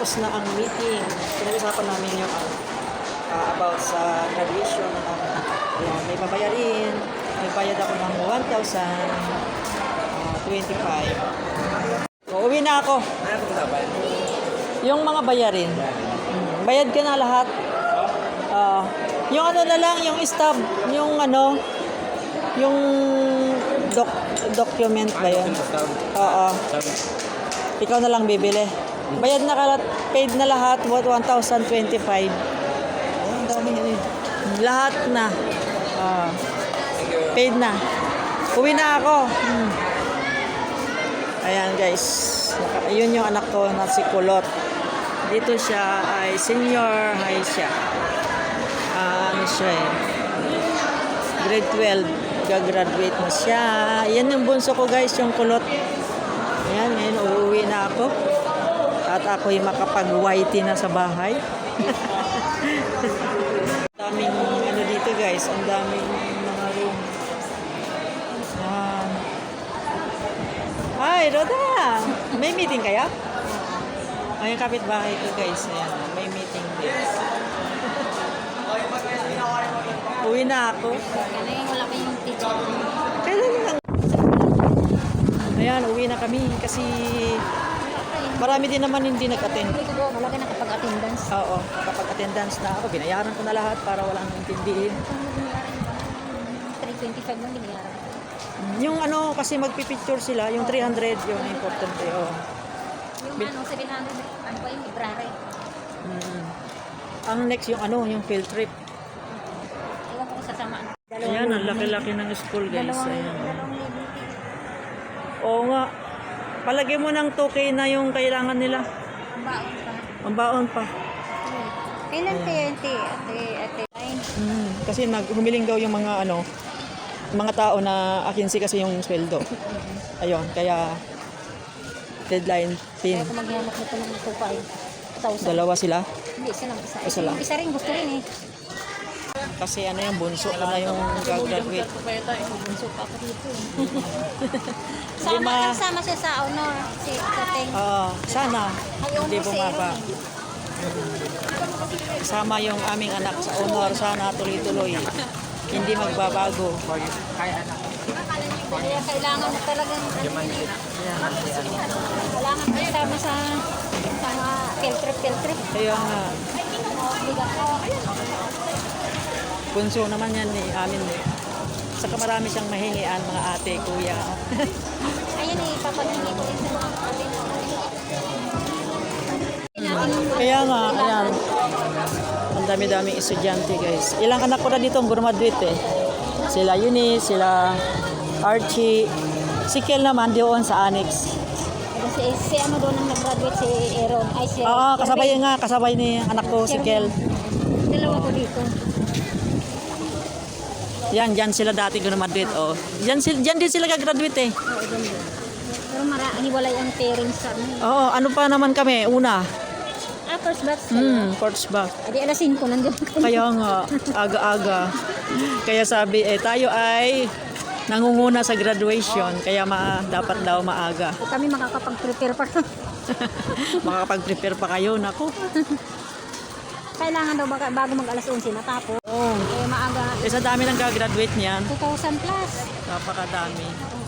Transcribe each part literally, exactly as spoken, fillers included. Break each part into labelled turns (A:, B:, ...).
A: tapos na ang meeting. Pinag-usapan namin yung uh, about sa graduation na uh, may babayarin. Nagbayad ako ng one thousand twenty-five. So, uwi na ako. Yung mga bayarin. Hmm. Bayad ka na lahat. Uh, yung ano na lang, yung stub, yung ano, yung doc, document ba yun? Oo. Ikaw na lang bibili. Bayad na kalat, paid na lahat, one thousand twenty-five. Oh, ang dami yun eh. Lahat na. Uh, paid na. Uwi na ako. Hmm. Ayan guys. Yun yung anak ko na si Kulot. Dito siya ay senior high siya. Uh, ano siya eh. grade twelve. Gagraduate na siya. Yan yung bunso ko guys, yung Kulot. Ayan, ngayon uuwi na ako. At ako'y makapag-Y T na sa bahay. Daming ano dito guys, ang daming mga room. Yan. Hi, Roda! May meeting kaya? Ay, yung kapitbahay ko guys. Ayan, may meeting din. Uwi na ako.
B: Kaya wala pa yung teacher.
A: Kailan lang? Ayan, uwi na kami kasi marami din naman hindi nag-attend.
B: Wala ka nakapag-attendance.
A: Oo, nakapag-attendance na ako. Binayaran ko na lahat para walang intindihin.
B: three twenty-five lang binayaran.
A: Yung ano, kasi magpipicture sila, yung three hundred, yung important eh. Oh.
B: Yung ano, seven hundred, ano pa yung library?
A: Mm. Ang next yung ano, yung field trip.
B: Iwan ko kung sasamaan.
A: Ayan, ang laki-laki ng school guys.
B: Dalawang,
A: Ayan.
B: dalawang level.
A: Oo nga. Palagay mo ng two K na yung kailangan nila.
B: Ang baon pa.
A: Ang baon pa.
B: Kailan kaya yung ate, ate, ate, line?
A: Mm. Kasi naghumiling daw yung mga ano, mga tao na akinsi kasi yung sweldo. Ayun, kaya deadline pin.
B: Kaya kung maghihanap nito ng two five thousand.
A: Dalawa sila.
B: Hindi, isa lang isa.
A: Isa lang.
B: Isa rin, gusto rin eh.
A: Kasi ano yung bunso ko na yung gagraduate.
B: Bunso pa ako dito eh.
A: Hindi
B: Sama,
A: ma-
B: nagsama siya sa honor. Si Kateng.
A: Oo, sana
B: Ay,
A: hindi
B: honor si
A: bumaba.
B: Aaron eh.
A: Kasama yung aming anak sa honor, sana tuloy-tuloy. Hindi magbabago.
B: Kaya kailangan na talagang kailangan kasama sa sama field trip, field trip.
A: Kaya nga,
B: Bigat ko.
A: bunso naman yan ni amin eh. Saka marami siyang mahingian, mga ate, kuya.
B: Ayun eh, papaghingi ko rin sa mga kapatid.
A: Kaya nga, ayan. Ang dami-daming estudyante guys. Ilang anak ko na dito ang graduate eh. Sila Eunice, sila Archie. Si Kel naman doon sa Annex.
B: Si, si ano doon ang nag-graduate, si Aaron. Ay, si
A: Oo,
B: si
A: kasabay
B: Erwin.
A: nga, kasabay ni anak ko si Kel.
B: Dalawa ko dito.
A: Yan, dyan sila dati graduate. Oh. Dyan, sil- dyan din sila gagraduate eh.
B: Oo, doon doon. Pero mara, hiwalay ang parents sa ano.
A: Oo, ano pa naman kami, una.
B: Ah, first batch kayo.
A: Hmm, first back.
B: Adi alas five nandiyan kami.
A: Kaya nga, aga-aga. Kaya sabi, eh, tayo ay nangunguna sa graduation. Kaya ma dapat daw maaga.
B: Kami makakapag-prepare pa.
A: Makakapag-prepare pa kayo, naku.
B: Kailangan daw baga, bago mag alas eleven natapos.
A: Oo.
B: Eh, maaga.
A: Eh, sa dami ng gagraduate niyan,
B: two thousand plus.
A: napakadami.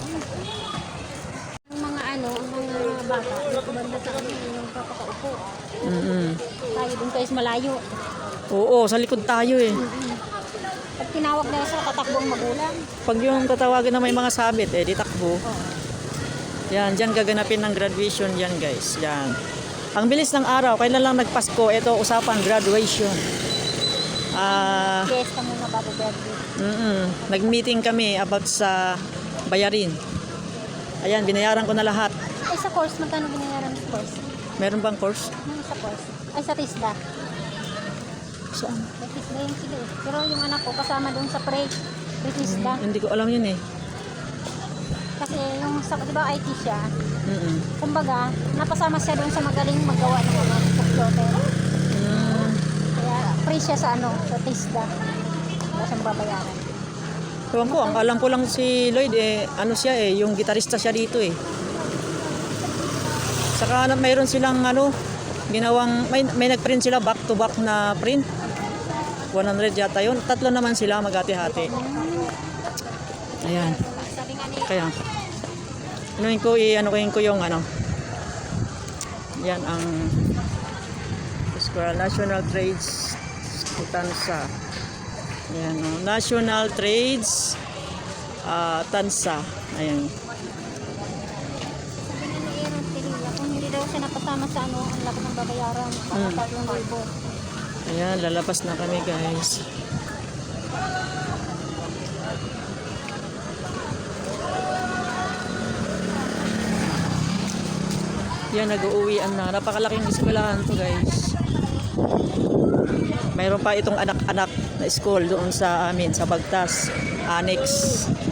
B: Ang mga ano, ang mga bata, dito banda sa kami, yung papakaupo.
A: Mm-mm.
B: Tayo doon kayo sa malayo.
A: Oo, sa likod tayo eh.
B: Pag tinawag na sa tatakbong magulang.
A: Pag yung tatawagan na may mga sabit, eh, di takbo.
B: Oo.
A: Yan, dyan gaganapin ng graduation yan guys. Yan. Ang bilis ng araw, kailan lang nagpasko, ito usapan graduation. Ah,
B: Fiesta muna bago graduate.
A: mm nag-meeting kami about sa bayarin. Ayan, binayaran ko na lahat.
B: Ay, sa course, magkano binayaran sa course?
A: Meron bang course?
B: Ano sa course? Ay, sa TISDA.
A: Saan?
B: Sa TISDA yung sila eh. Pero yung anak ko, kasama doon sa pre, pre-TISDA.
A: Hindi ko alam yun eh.
B: Kasi yung, sa, di ba I T siya,
A: Mm-mm.
B: kumbaga, napasama siya doon sa magaling magawa ng mga computer.
A: Mm.
B: Kaya, free siya sa ano, sa TISDA. Wala siyang babayaran.
A: Ewan ko, ang alam ko lang si Lloyd eh, ano siya eh, yung gitarista siya dito eh. Saka na, mayroon silang ano, Ginawang, may, may nag-print sila back to back na print. one hundred yata yun. Tatlo naman sila maghati-hati. Ayan. Kaya, anuin ko, i-anuin ko yung ano. Yan ang Square National Trades Tansa. Ayan, oh. National Trades ah, Tansa. Ayan.
B: Sabi nga ni Aaron Tirilla, kung hindi daw siya napasama sa ano, ang laki ng babayaran. Mga
A: Hmm.
B: tatlong libo.
A: Ayan, lalabas na kami guys. Yan, nag-uuwian na. Napakalaking eskwelahan to guys. Mayroon pa itong anak-anak na school doon sa amin, sa Bagtas, Annex.